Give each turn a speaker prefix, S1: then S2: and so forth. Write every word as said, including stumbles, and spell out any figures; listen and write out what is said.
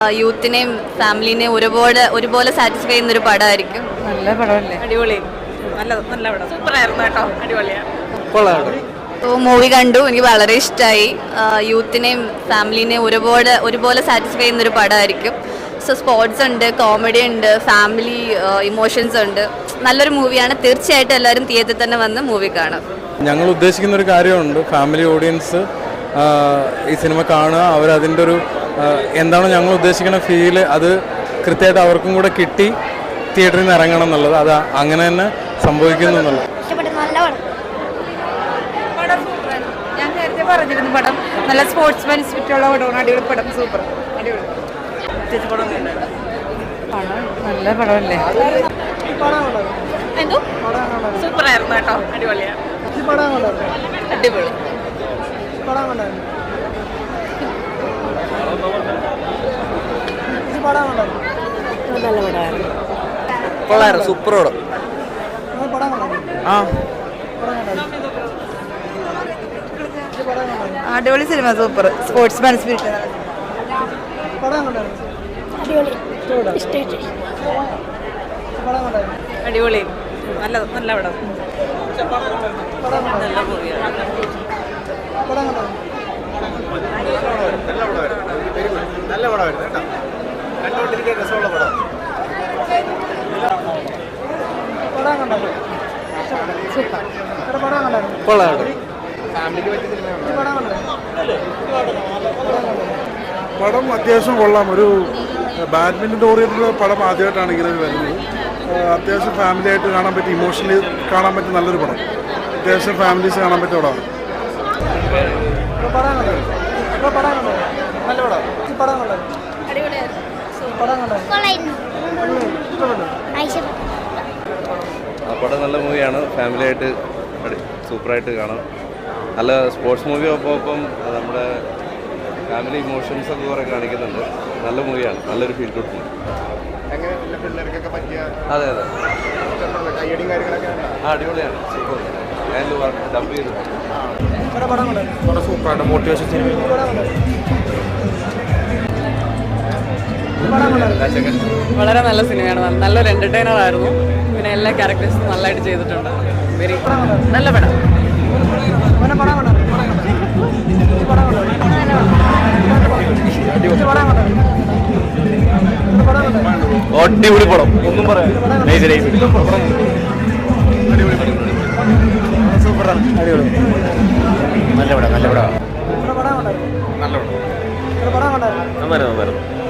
S1: യൂത്തിനെയും ഫാമിലിനെയും ഒരുപോലെ ഒരുപോലെ സാറ്റിസ്ഫൈ ചെയ്യുന്ന ഒരു പടമായിരിക്കും.
S2: നല്ല പടമല്ലേ?
S3: അടിപൊളി, നല്ല നല്ല പടം, സൂപ്പറായിരുന്നു കേട്ടോ, അടിപൊളിയാണ്.
S1: മൂവി കണ്ടു, എനിക്ക് വളരെ ഇഷ്ടമായി. യൂത്തിനെയും ഫാമിലിനെയും ഒരുപോലെ ഒരുപോലെ സാറ്റിസ്ഫൈ ചെയ്യുന്ന ഒരു പടമായിരിക്കും. സോ സ്പോർട്സ് ഉണ്ട്, കോമഡി ഉണ്ട്, ഫാമിലി ഇമോഷൻസ് ഉണ്ട്. നല്ലൊരു മൂവിയാണ്. തീർച്ചയായിട്ടും എല്ലാവരും തിയേറ്ററിൽ തന്നെ വന്ന് മൂവി കാണാം.
S4: ഞങ്ങൾ ഉദ്ദേശിക്കുന്ന ഒരു കാര്യമുണ്ട്, ഫാമിലി ഓഡിയൻസ് ഈ സിനിമ കാണുക, അവരതിൻ്റെ ഒരു എന്താണോ ഞങ്ങൾ ഉദ്ദേശിക്കുന്ന ഫീല് അത് കൃത്യമായിട്ട് അവർക്കും കൂടെ കിട്ടി തിയേറ്ററിൽ നിന്ന് ഇറങ്ങണം എന്നുള്ളത്, അത് അങ്ങനെ തന്നെ സംഭവിക്കുന്നു എന്നുള്ളത്.
S2: ഞാൻ നേരത്തെ പറഞ്ഞിരുന്നു പടം നല്ല സ്പോർട്സ്മാൻ സ്പിരിറ്റുള്ള പടമാണ്. അടിപൊളി പടം, സൂപ്പർ, അടിപൊളി നല്ല പടമല്ലേ?
S3: എന്തോ സൂപ്പറായിരുന്നു കേട്ടോ, അടിപൊളിയാണ്.
S1: അടിപൊളി
S5: കൊള്ളായിരുന്നു, സൂപ്പർ പടം. ആ
S2: അടിപൊളി സിനിമ, സൂപ്പർ സ്പോർട്സ്മാൻ സ്പിരിറ്റ്.
S3: അടിപൊളി, നല്ല നല്ല പടം, നല്ല മൂവിയാണ്.
S5: നല്ല പടമായിരുന്നു കേട്ടോ, കണ്ടുകൊണ്ടിരിക്കാൻ രസമുള്ള പടം. കൊള്ളാം,
S6: പടം അത്യാവശ്യം കൊള്ളാം. ഒരു ബാഡ്മിൻ്റൺ ഓറിയൻറ്റഡ് പടം ആദ്യമായിട്ടാണ് ഇങ്ങനെ വരുന്നത്. അത്യാവശ്യം ഫാമിലി ആയിട്ട് കാണാൻ പറ്റിയ, ഇമോഷണലി കാണാൻ പറ്റിയ നല്ലൊരു പടം. അത്യാവശ്യം ഫാമിലീസ് കാണാൻ പറ്റിയ പടമാണ്.
S7: പടം നല്ല മൂവിയാണ്, ഫാമിലി ആയിട്ട് സൂപ്പറായിട്ട് കാണാം. നല്ല സ്പോർട്സ് മൂവി ഒപ്പം ഒപ്പം നമ്മുടെ ഫാമിലി ഇമോഷൻസ് ഒക്കെ കുറേ കാണിക്കുന്നുണ്ട്. നല്ല മൂവിയാണ്, നല്ലൊരു ഫീൽ ഗുഡ് മൂവി. അതെ അതെ, ആ അടിപൊളിയാണ്, സൂപ്പർ. ഞാൻ ഡബ് ചെയ്തു.
S6: സൂപ്പറായിട്ട് മോട്ടിവേഷൻ
S3: വളരെ നല്ല സിനിമയാണ്, നല്ലൊരു എന്റർടൈനർ ആയിരുന്നു. പിന്നെ എല്ലാ ക്യാരക്ടേഴ്സും നല്ലതായിട്ട് ചെയ്തിട്ടുണ്ട്. വെരി നല്ല പടം.
S5: അടിപൊളി പടം, ഒന്നും പറയാം. സൂപ്പറാണ്, അടിപൊളി, നല്ല പടം, നല്ല പടം, നല്ല പടം, നന്നായിരുന്നു, നന്നായിരുന്നു.